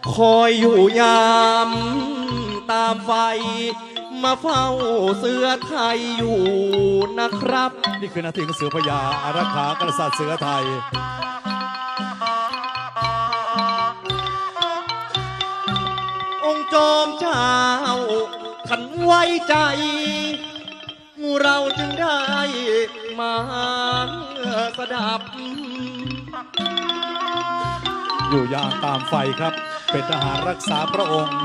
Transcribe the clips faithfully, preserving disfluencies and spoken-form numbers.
คอยอยู่ยามตามไฟมาเฝ้าเสือไทยอยู่นะครับนี่คือนาทีของเสือพญาอารักขากษัตริย์เสือไทยองค์จอมเจ้าขันไว้ใจเราจึงได้มาสดับอยู่ยามตามไฟครับเป็นทหารรักษาพระองค์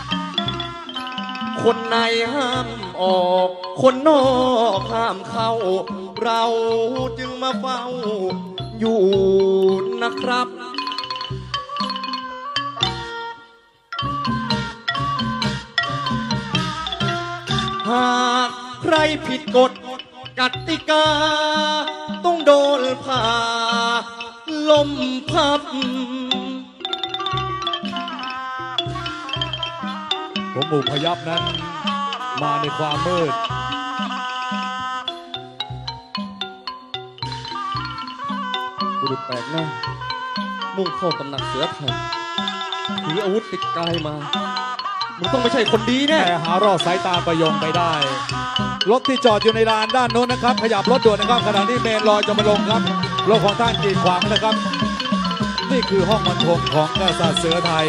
คนในห้ามออกคนนอกห้ามเข้าเราจึงมาเฝ้าอยู่นะครับหากใครผิดกฎกติกาต้องโดนผ่าลมพับผมบุกพยับนั้นมาในความมืดบุรุษแปลกหน้ามุ่งเข้าตำหนักเสือไทยถืออาวุธติดกายมามึงต้องไม่ใช่คนดีแน่แต่หารอดสายตาประยงไปได้รถที่จอดอยู่ในลานด้านโน้นนะครับขยับรถด่วนนะครับขณะนี้เมนลอยจะมาลงครับรถของท่านกีดขวางนะครับนี่คือห้องบรรทมของกษัตริย์เสือไทย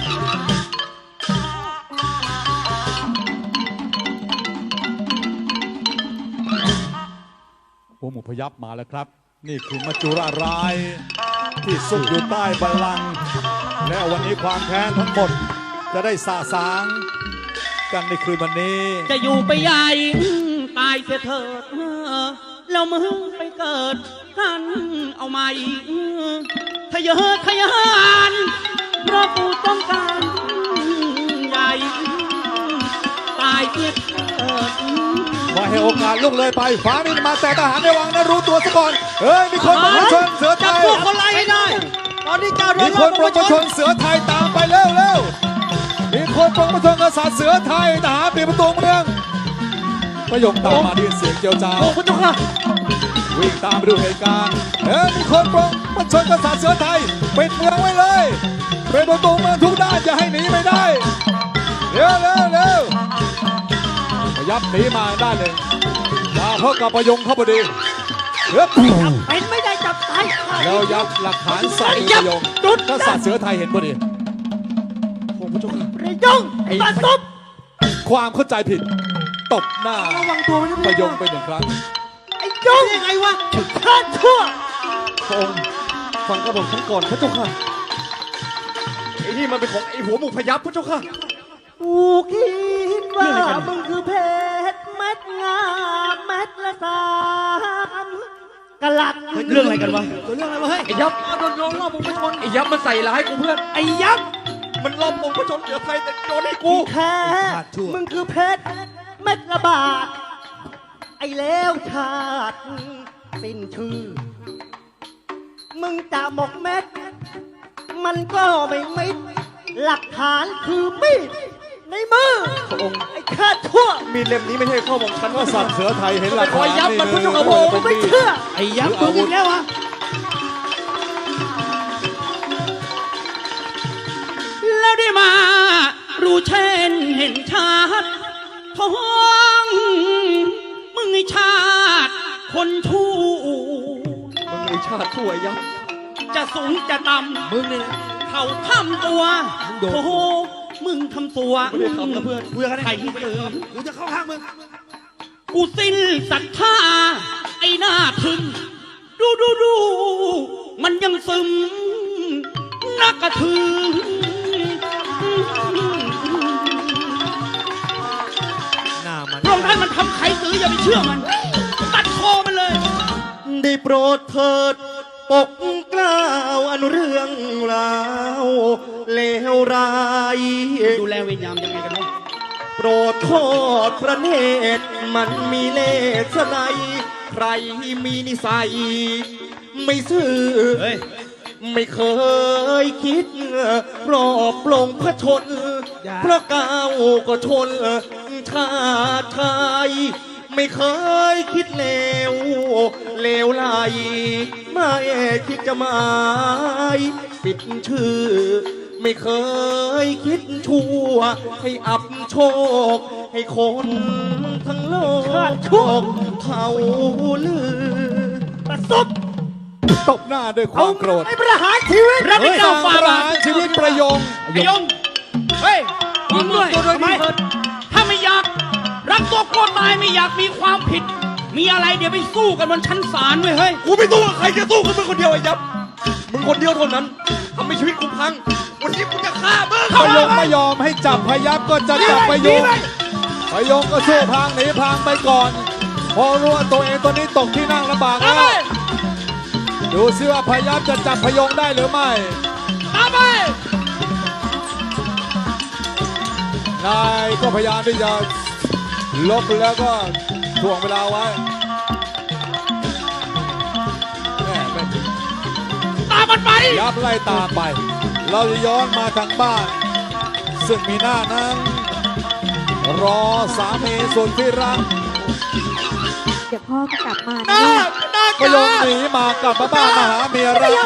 ผมหมู่พยับมาแล้วครับนี่คือมัจจุราชร้ายที่ซุกอยู่ใต้บัลลังก์และวันนี้ความแค้นทั้งหมดจะได้สาสางกันในคืนวันนี้จะอยู่ไปใหญ่ตายเสียเถิดแล้วมึงไปเกิดกันเอาใหม่ทะเยอทะยานเพราะกูต้องการใหญ่ตายเสียเถิดมาให้โอกาสลุกเลยไปฟ้ามินมาแต่ทหารในวังนะรู้ตัวซะก่อนเฮ้ยมีคนประชนเสือไทยจับพวกคนไล่ให้ได้ตอนนี้เจ้าโดนมีคนประชนเสือไทยตามไปเร็วเร็วมีคนปกป้องกษัตริย์เสือไทยทหารปีประตูเมืองประยงตามมาได้ยินเสียงเจียวจ้าวพระเจ้าค่ะวิ่งตามไปดูเหตุการณ์เฮ้ยมีคนปกป้องกษัตริย์เสือไทยปิดเมืองไว้เลยเป็นประตูเมืองทุกด้านจะให้หนีไม่ได้เร็วเร็วเร็วพยับหนีมาด้านหนึ่งมาพบกับประยงเข้าพอดีเฮ้ยเป็นไม่ได้จับตายแล้วยับหลักฐานใส่ประยงกษัตริย์เสือไทยเห็นพอดีพระเจ้าค่ะประยงไอ้บ้าตบความเข้าใจผิดตบหน้าระวังตัวประยงไปหนึ่งครั้งไอ้ยงยังไงวะข้าชั่วพระองค์ฟังกระบอกฉันก่อนพระเจ้าค่ะไอ้นี่มันเป็นของไอ้หัวหมูพยับพระเจ้าค่ะกูคิดว่ามึงคือเพชรเม็ดงามเม็ดละสามกะลัดเรื่องอะไรกันวะเรื่องอะไรวะเฮ้ยไอ้ยับโดนโยนรอบมึงไปชนไอ้ยับมันใส่ร้ายกูเพื่อนไอ้ยับมันล้อมมึงไปชนเสือไทยแต่โดนให้กูแค่มึงคือเพชรเม็ดละบาทไอ้แล้วชาติสิ้นชื่อมึงจะหมกเม็ดมันก็ไม่มิดหลักฐานคือมีดในมือพระองค์ไอ้ข้าชั่วมีเล่มนี้ไม่ใช่ข้อบอกฉันว่าสัตว์เสือไทยเห็นหลักฐานนี่ยับมันพุทธโมไม่เชื่อไอ้ยับมึงอีกแล้ววะแล้วได้มารู้เช่นเห็นชาติท้องมึงไอ้ชาติคนชั่วมึงไอ้ชาติชั่วยับจะสูงจะต่ำมึงเนี่ยเขาทำตัวโอ้โหมึงทำตัวไม่ได้ทำนะเพื่อนกูจะใครที่ตื่นกูจะเข้าข้างมึงกูสิ้นศรัทธาไอ้หน้าถึงดูดูดูมันยังซึมนักกระถือหน้ามันพระองค์ท่านมันทำใครซื้ออย่าไปเชื่อมันตัดคอมันเลยได้โปรดเถิดปกเกล้าอันเรื่องราวเลวร้ายดูแลเวรยามยังไงกันเนาะโปรดโทษพระเนตรมันมีเลสไนใครมีนิสัยไม่ซื่อไม่เคยคิดรอบปลงพระชนเพราะก้าวก็ชนชาติไทยไม่เคยคิดเลวเลวไหลไม่คิดจะหมายปิดชื่อไม่เคยคิดชั่ว ให้อับโชค ให้คนทั้งโลกเขาลือประสุดตบหน้าด้วยความโกรธไอ้ประหารชีวิตรักไม่เฮ้ยเจ้าฝ่าประบาหารทชีวิตประยงไอ้ยง เฮ้ยยิงด้วยทำไมถ้าไม่อยาก รักตัวกลัวตายไม่อยากมีความผิด มีอะไรเดี๋ยวไปสู้กันบนชั้นศาลเว้ยเฮ้ยกูไม่สู้กับใครจะสู้กับมึงคนเดียวไอ้ยับ มึงคนเดียวเท่านั้นทำให้ชีวิตกูพัง วันนี้กูจะฆ่ามึงพยงไม่ยอมให้จับพยับก็จะจับพยงพยงก็สู้พางหนีพางไปก่อน พอรู้ว่าตัวเองตัวนี้ตกที่นั่งลำบากแล้วดูซิว่าพยับจะจับพยงได้หรือไม่ตามไปนายก็พยายามที่จะลบแล้วก็ถ่วงเวลาไว้แม่เป็นตามมันไปยับไล่ตามไป เราจะย้อนมาทางบ้าน ซึ่งมีหน้านั้น รอสามีสุดที่รักเดี๋ยวพ่อก็กลับมาหน้านะหน้าพยงหนีมากลับมาบ้านมาหาเมียรัก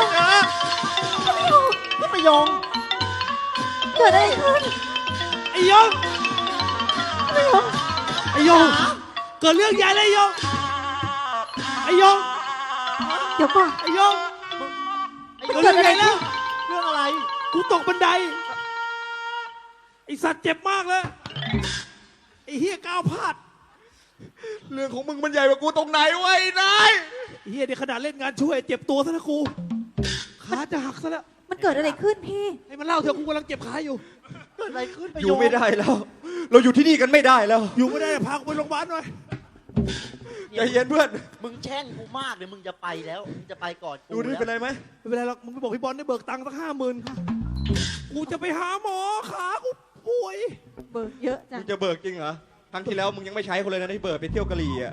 พี่ประยงเกิดอะไรขึ้นไอ้ยงไม่ยอมไอ้ยง เกิดเรื่องใหญ่เลยไอ้ยง ไอ้ยงเดี๋ยวก่อนไอ้ยงมันเกิดอะไรขึ้นเรื่องอะไร กูตกบันได ไอสัตว์เจ็บมากเลย ไอเฮียก้าวพลาดเรื่องของมึงมันใหญ่กว่ากูตรงไหนวะไอ้นายไอ้เฮียเดี๋ยวขนาดเล่นงานช่วยเจ็บตัวซะแล้วกู ขาจะหักซะแล้วมันเกิดอะไรขึ้นพี่ให้มันเล่าเถอะกูกำลังเจ็บขาอยู่ เกิดอะไรขึ้นอยู่ไม่ได้แล้ว เราอยู่ที่นี่กันไม่ได้แล้วอยู่ไม่ได้พากูไปโรงพยาบาลหน่อยใจเย็นเพื่อนมึงแช่งกูมากเลยมึงจะไปแล้วมึงจะไปก่อนกูดูนี่เป็นไรไหมไม่เป็นไรหรอก มึงไปบอกพี่บอลได้เบิกตังค์สักห้าหมื่นกูจะไปหาหมอขากูป่วยเบิกเยอะจัมึงงจะเบิกจริงเหรอ ครั้งที่แล้วมึงยังไม่ใช้เขาเลยนะที่เบิกไปเที่ยวกะหรี่อ่ะ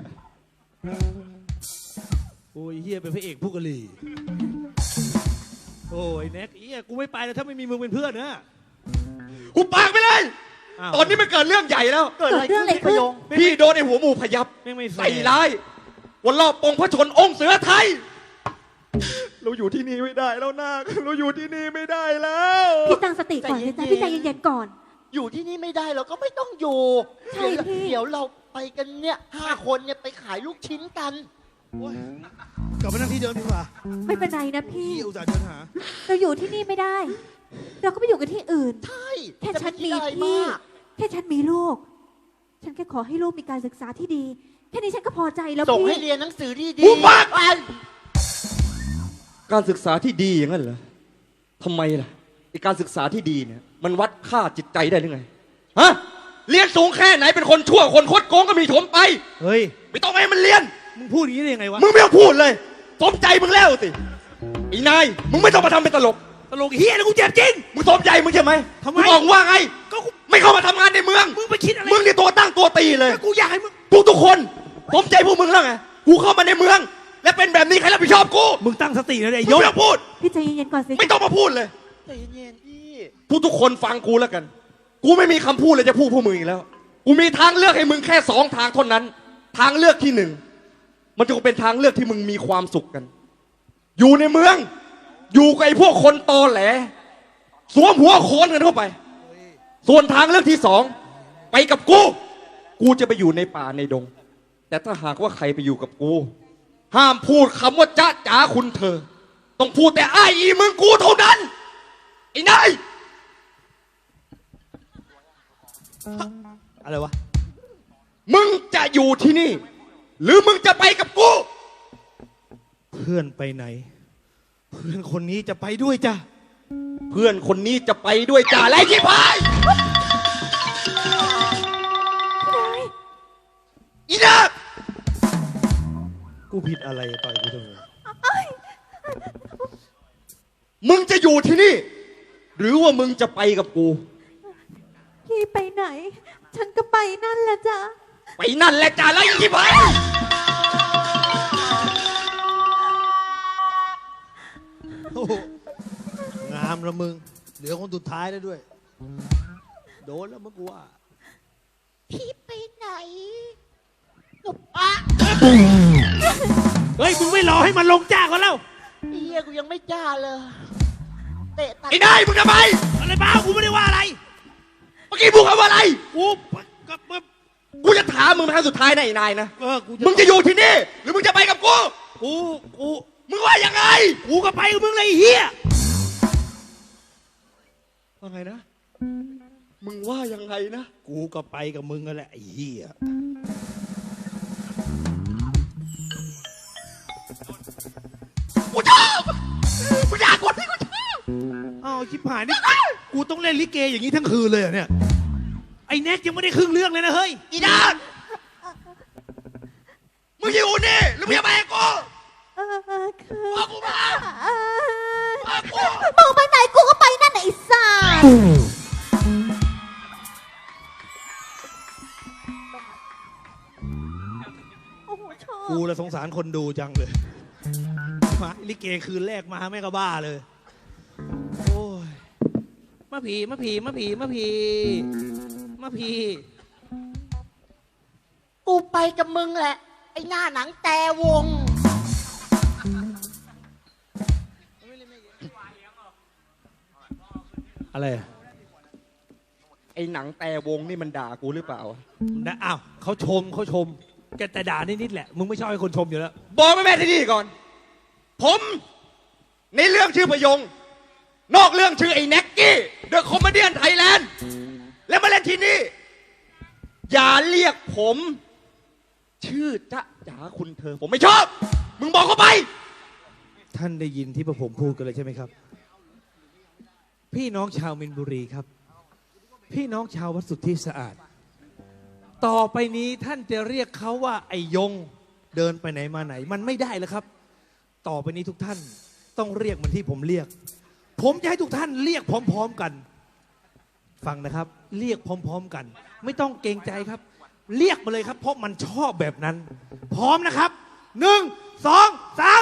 โอ้ยเฮียเป็นพระเอกผู้กะหรี่โอ้ยแน็กเฮียกูไม่ไปแล้วถ้าไม่มีมึงเป็นเพื่อนนะหุบปากไปเลยอ้าวตอนนี้มันเกิดเรื่องใหญ่แล้วเกิดอะไรขึ้นพี่ประยงพี่โดนไอ้หัวหมูพยับแม่งไม่แฟใส่ร์ร้ายวันรอบปองพระชนองค์เสือไทย เราอยู่ที่นี่ไม่ได้แล้วนาคเราอยู่ที่นี่ไม่ได้แล้วพี่ตั้งสติก่อนเลยจ้ะพี่ใจเย็นๆก่อนอยู่ที่นี่ไม่ได้เราก็ไม่ต้องอยู่ใช่เดี๋ยวพี่เดี๋ยวเราไปกันเนี่ยห้าคนเนี่ยไปขายลูกชิ้นกันโอ้ยกลับมานั่งที่เดิมดีกว่าไม่เป็นไรนะพี่พี่อุตส่าห์เดินหาเราอยู่ที่นี่ไม่ได้ เราก็ไปอยู่กันที่อื่นใช่แค่จะฉันไปมีคิดอะไรพี่มากแค่ฉันมีลูก ฉันแค่ขอให้ลูกมีการศึกษาที่ดี แค่นี้ฉันก็พอใจแล้วส่งพี่ให้เรียนหนังสือดีหุบปากไปการศึกษาที่ดีอย่างนั้นเหรอทำไมล่ะไอการศึกษาที่ดีเนี่ยมันวัดค่าจิตใจได้หรือไง ฮะ เรียนสูงแค่ไหนเป็นคนชั่วคนคดโกงก็มีถมไปเฮ้ยไม่ต้องให้มันเรียนมึงพูดอย่างนี้ได้ยังไงวะมึงไม่ต้องพูดเลยสมใจมึงแล้วสิไอ้นาย มึงไม่ต้องมาทำเป็นตลกตลกเฮียนะกูเจ็บจริงมึงสมใจมึงใช่ไหมทำไมมึงบอกว่าไงก็กูไม่เข้ามาทำงานในเมืองมึงไปคิดอะไรมึงนี่ตัวตั้งตัวตีเลยก็กูอยากให้มึงทุกทุกๆคนสมใจพวกมึงแล้วไง กูเข้ามาในเมือง และเป็นแบบนี้ใครรับผิดชอบกูมึงตั้งสตินะไอ้มึยงศไม่ต้องพูดพี่ใจเย็นๆก่อนสิไม่ต้องมาพูดเลยใจเย็นๆพี่ทุกทุกๆคนฟังกูแล้วกัน กูไม่มีคำพูดเลยจะพูดพวกมึงอีกแล้ว กูมีทางเลือกให้มึงแค่สองทางเท่านั้น ทางเลือกที่หนึ่ง มันจะเป็นทางเลือกที่มึงมีความสุขกัน อยู่ในเมือง อยู่กับไอ้พวกคนตอแหล สวมหัวโขนกันเข้าไป ส่วนทางเลือกที่สอง ไปกับกู กูจะไปอยู่ในป่าในดง แต่ถ้าหากว่าใครไปอยู่กับกู ห้ามพูดคำว่าจ๊ะจ๋าคุณเธอ ต้องพูดแต่อ้ายอีมึงกูเท่านั้น ไอ้นายอะไรวะมึงจะอยู่ที่นี่ หรือมึงจะไปกับกูเพื่อนไปไหน เพื่อนคนนี้จะไปด้วยจ้ะเพื่อนคนนี้จะไปด้วยจ่าไรที่พายอีนักกูผิดอะไรต่อยกูทำไมมึงจะอยู่ที่นี่ หรือว่ามึงจะไปกับกูพี่ไปไหน ฉันก็ไปนั่นแหละจ้ะไปนั่นแหละจ่าไรที่พายโอ้โหงามละมึง เหลือคนสุดท้ายแล้วด้วย โดนแล้วมึงกูว่าพี่ไปไหนหนุปะเฮ้ย มึงไม่รอให้มันลงจากกันแล้วเฮียกูยังไม่จ้าเลยเตะตัดไอ้นายมึงจะไปอะไรบ้ากูไม่ได้ว่าอะไรว่าอะไรกูก็กูจะถามมึงเป็นครั้งสุดท้ายนะไอ้นายนะเออกูมึงจะอยู่ที่นี่ หรือมึงจะไปกับกูกูกูมึงว่ายังไงกูก็ไปกับมึงเลยไอ้เฮียว่าไงนะ มึงว่ายังไงนะกูก็ไปกับมึงนั่นแหละไอ้เฮียกูชอบกูอยากกดที่กูชอบอ้าวชิบหายนี่กูต้องเล่นลิเกอย่างนี้ทั้งคืนเลยเหรอเนี่ยไอ้แน็กยังไม่ได้ครึ่งเรื่องเลยนะเฮ้ยอีดานมึงอยู่นี่หรือมึงจะไปกับกูเออเออคือบอกกูมาเออบอกกูมึงไปไหนกูก็ไปนั่นน่ะไอ้สัสโอ้โหชอบกูละสงสารคนดูจังเลยมาลิเกคืนแรกมาแม่ก็บ้าเลย โอ้ยมาผีมาผีมาผีมาผีมาผีกูไปกับมึงแหละ ไอ้หน้าหนังแต่วงอะไรไอ้หนังแต่วงนี่มันด่ากูหรือเปล่านะอ้าวเขาชมเขาชมแกแต่ด่านิดๆแหละมึงไม่ชอบให้คนชมอยู่แล้วบอกแม่แม่ที่นี่ก่อน ผมในเรื่องชื่อพยง นอกเรื่องชื่อไอ้แน็กกี้เดอะคอมเมดี้ไทยแลนด์และมาเล่นที่นี่ อย่าเรียกผม ชื่อจ๊ะจ๋าคุณเธอ ผมไม่ชอบ มึงบอกเขาไปท่านได้ยินที่พวกผมพูดกันเลยใช่ไหมครับ พี่น้องชาวมินบุรีครับ พี่น้องชาววัดสุทธิสะอาด ต่อไปนี้ท่านจะเรียกเขาว่าไอ้ยงเดินไปไหนมาไหน มันไม่ได้แล้วครับ ต่อไปนี้ทุกท่านต้องเรียกเหมือนที่ผมเรียก ผมจะให้ทุกท่านเรียกพร้อมๆกัน ฟังนะครับ เรียกพร้อมๆกัน ไม่ต้องเกรงใจครับ เรียกมาเลยครับ เพราะมันชอบแบบนั้น พร้อมนะครับหนึ่งสองสาม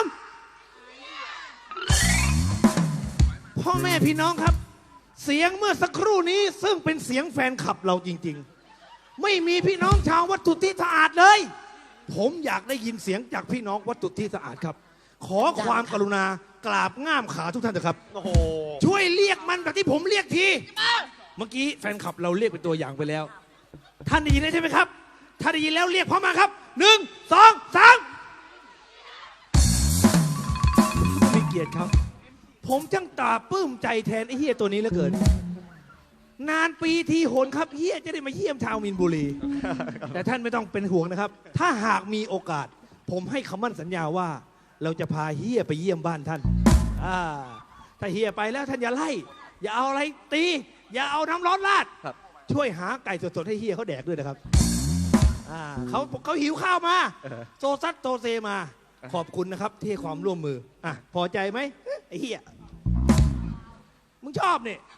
พ่อแม่พี่น้องครับ เสียงเมื่อสักครู่นี้ซึ่งเป็นเสียงแฟนคลับเราจริงๆ ไม่มีพี่น้องชาววัดสุทธิสะอาดเลย ผมอยากได้ยินเสียงจากพี่น้องวัดสุทธิสะอาดครับ ขอความกรุณากราบง่ามขาทุกท่านเถอะครับโอ้โหช่วยเรียกมันแบบที่ผมเรียกที เมื่อกี้แฟนคลับเราเรียกเป็นตัวอย่างไปแล้ว ท่านได้ยินแล้วใช่ไหมครับ ถ้าได้ยินแล้วเรียกพร้อมมาครับหนึ่งสองสามมีเกียรติครับ ผมจังตาปลื้มใจแทนไอ้เฮียตัวนี้เหลือเกิน นานปีทีโหนครับเฮียจะได้มาเยี่ยมชาวมินบุรี แต่ท่านไม่ต้องเป็นห่วงนะครับ ถ้าหากมีโอกาส ผมให้คำมั่นสัญญาว่า เราจะพาเฮียไปเยี่ยมบ้านท่านอ่าถ้าเฮียไปแล้วท่านอย่าไล่ อย่าเอาอะไรตี อย่าเอาน้ำร้อนราดครับช่วยหาไก่สดๆให้เฮียเขาแดกด้วยนะครับอ่าเขาเขาหิวข้าวมา โซซัดโซเซมา ขอบคุณนะครับที่ให้ความร่วมมืออ่ะพอใจไหมไอ้เฮียมึงชอบเนี่ย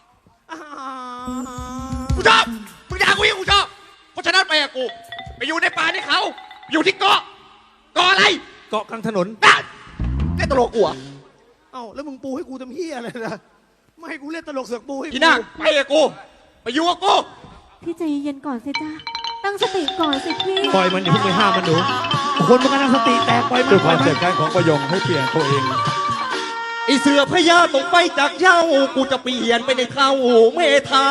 กูชอบ มึงด่ากูยังกูชอบ เพราะฉะนั้นไปกับกู ไปอยู่ในป่าในเขา อยู่ที่เกาะ เกาะอะไรเกาะกลางถนนได้ได้ตลกกูอ่ะเอ้าแล้วมึงปูให้กูทำเฮียอะไรนะไม่ให้กูเล่นตลกเสือกปูให้กูพี่นาคไปกับกู ไปอยู่กับกูพี่ใจเย็นๆก่อนสิจ้าตั้งสติก่อนสิพี่ปล่อยมันอย่าเพิ่งไปห้ามมันหนูคนมันกำลังสติแตกปล่อยมันด้วยคปล่วาอมยมัเจ็นบแค้นของประยงให้เปลี่ยนตัวเองไอเสือพญาต้องไปจากเหย้า กูจะเปลี่ยนไปในเข้าเมธา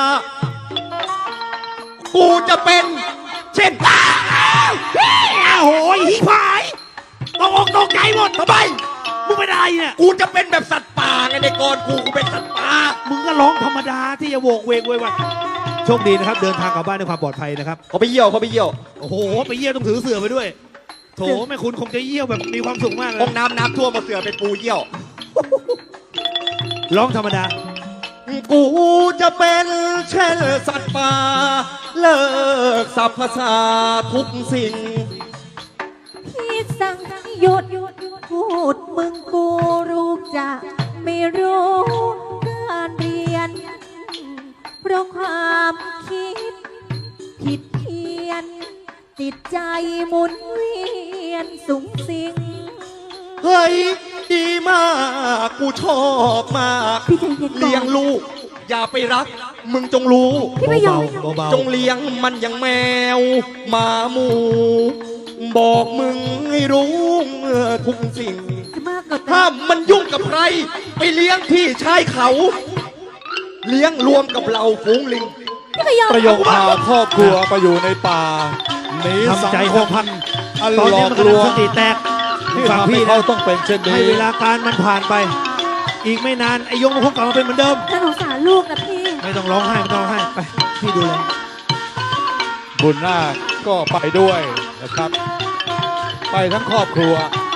กูจะเป็น เช่นอ้าวโหยหิพายตกอกตกใจหมดทำไมมึงเป็นอะไรเนี่ยกูจะเป็นแบบสัตว์ป่าไงในกรกู กูเป็นสัตว์ป่ามึงก็ร้องธรรมดาที่จะโวกเวกเวยวายโชคดีนะครับ เดินทางกลับบ้านด้วยความปลอดภัยนะครับเขาไปเยี่ยวเขาไปเยี่ยวโอ้โห ไปเยี่ยวต้องถือเสือไปด้วย โถแม่คุณคงจะเยี่ยวแบบมีความสุขมากเลห้อย งน้ำน้ำท่วมมาเสือเป็นปูเยี่ยวร้องธรรมดากูจะเป็นเช่นสัตว์ป่า เลิกสัพพสาทุกสิ่งพี่สั่งหยุดพูดมึงกูรู้จะไม่รู้การเรียน เพราะความคิด ผิดเพี้ยน ติดใจหมุนเวียนสุงสิงเฮ้ย ดีมาก กูชอบมากพี่ใจเย็นก่อนเลี้ยงลูก อย่าไปรัก มึงจงรู้พี่ไม่ยอมเบาๆเบาจงเลี้ยงมันอย่างแมวหมาหมู บอกมึงให้รู้เมื่อทุกสิ่งจะมากกว่าถ้ามันยุ่งกับใคร ไปเลี้ยงที่ชายเขา เลี้ยงรวมกับเราฝูงลิงพี่ก็ยอมประโยคพาครอบครัวไปอยู่ในป่าหนีสังทำใจคสัมกพักอันตอนหลนี้อกมันลกำลังวงสติแตกที่ฟังทำให้พี่เขานะต้องเป็นเช่นให้นี้เวลาการมันผ่านไป อีกไม่นานไอ้ยงมันคงกลับมาเป็นเหมือนเดิมน่าสงสารลูกนะพี่ไม่ต้องร้องไห้ไม่ต้องร้องไห้ไปพี่ดูแลบุญนาคก็ไปด้วยนะครับ ไปทั้งครอบครัว